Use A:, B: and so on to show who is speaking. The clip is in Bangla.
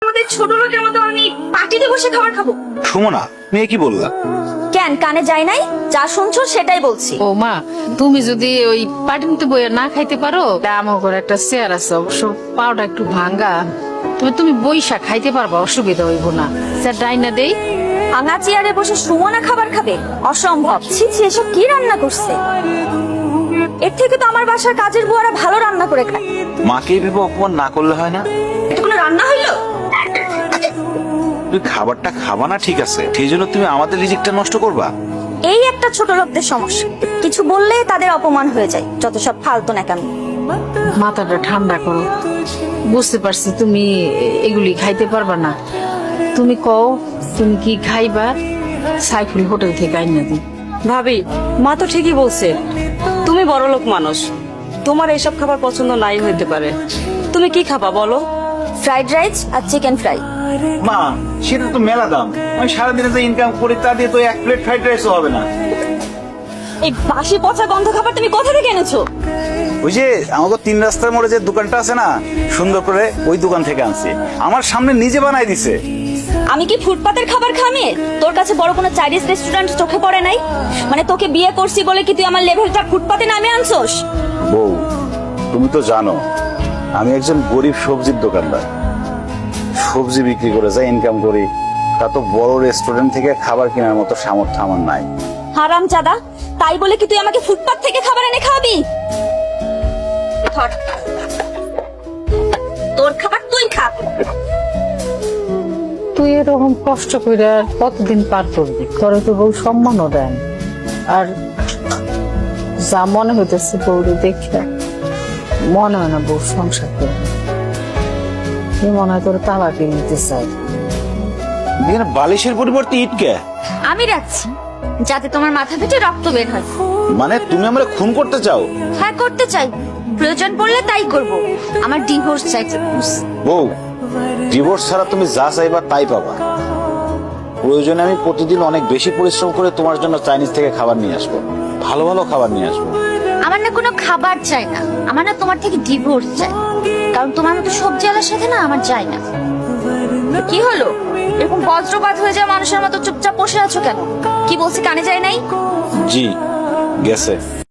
A: আমাদের ছোট লোকের মতো আমি পার্টিতে বসে খাবার খাবো?
B: সুমনা, মেয়ে কি বললা?
C: কেন কানে যায় নাই? যা শুনছো সেটাই বলছি।
D: ও মা, তুমি যদি ওই পাটিতে বইয়া না খাইতে পারো, আমার ঘরে একটা চেয়ার আছে, অবশ্য পাওটা একটু ভাঙ্গা, তবে তুমি বইসা খাইতে পারবা, অসুবিধা হইব না। স্যার ডাইনা দেই।
C: ভাঙা চেয়ারে বসে সুমনা খাবার খাবে? অসম্ভব। ছি ছি, এসব কি রান্না করছে? এর থেকে তো আমার বাসার কাজের বুয়ারা ভালো রান্না করে খায়।
B: মাকে ভেবে অপমান না করলে হয় না?
A: এটা কোনো রান্না হইলো?
B: তুই খাবারটা খাবা না ঠিক আছে, সেই জন্য তুমি আমাদের রিজিকটা নষ্ট করবা?
C: এই একটা ছোট লোকদের সমস্যা, কিছু বললে তাদের অপমান হয়ে যায়। যত সব ফালতু নাকামি।
D: মাথাটা ঠান্ডা করো। বুঝতে পারছি তুমি এগুলি খাইতে পারবা না। তুমি কও তুমি কি খাইবা, সাইফুল হোটেল থেকে আইনা দিই।
E: ভাবি, মা তো ঠিকই বলছে, তুমি বড়লোক মানুষ, তোমার এইসব খাবার পছন্দ নাই হইতে পারে। তুমি কি খাবা বলো?
C: ফ্রাইড রাইস আর চিকেন ফ্রাই।
B: মা, সেটা তো মেলা দাম। আমি সারাদিনে যে ইনকাম করি তা দিয়ে তো এক প্লেট ফ্রাইড রাইসও হবে না।
C: এই বাসি পচা গন্ধ খাবার তুমি কোথা থেকে এনেছো?
B: ওই যে আমাকে 3 রাস্তার মোড়ে যে দোকানটা আছে না, সুন্দর করে ওই দোকান থেকে আনছি। আমার সামনে নিজে বানাই দিছে।
C: আমি কি ফুটপাতের খাবার খামে? তোর কাছে বড় কোনো চাইনিজ রেস্টুরেন্ট চোখে পড়ে নাই? মানে তোকে বিয়ে করছি বলে কি তুই আমার লেভেলটা ফুটপাতে নামে আনছোস?
B: বউ, তুমি তো জানো আমি একজন গরিব সবজির দোকানদার। সবজি বিক্রি করে যা ইনকাম করি, তা তো বড় রেস্টুরেন্ট থেকে খাবার কেনার মতো সামর্থ্য আমার নাই।
C: হারাম জাদা, তাই বলে কি তুই আমাকে ফুটপাত থেকে খাবার এনে খাওয়াবি? ধর, তোর খাবার তুই খা।
D: তুই এরকম কষ্ট করে আর কতদিন পার করবি? তোরে তো বউ সম্মানও দেন। আর যা মনে হইতেছে বউরে দেখে মনে হয় না বউ সংসার করবে। কি মনে হয় তোর তালা কিনতে চাই।
B: এখানে বালিশের পরিবর্তে ইট কে?
C: আমি রাখছি যাতে তোমার মাথা ফেটে রক্ত বের হয়।
B: মানে তুমি আমরা খুন করতে চাও?
C: হ্যাঁ, করতে চাই। প্রয়োজন পড়লে তাই করব। আমার ডিভোর্স চাই।
B: বউ, ডিভোর্স ছাড়া তুমি যা চাইবা তাই পাবা। প্রয়োজনে আমি প্রতিদিন অনেক বেশি পরিশ্রম করে তোমার জন্য চাইনিজ থেকে খাবার নিয়ে আসবো, ভালো ভালো খাবার নিয়ে আসবো।
C: আমার না কোনো খাবার চাই না, আমার না তোমার থেকে ডিভোর্স চাই। কারণ তোমার মতো সবজিওয়ালার সাথে না আমার যায় না। কি হলো? এরকম বজ্রপাত হয়ে যায় মানুষের মতো চুপচাপ বসে আছো কেন? কি বলছি কানে যায় নাই?
B: জি, গেছে।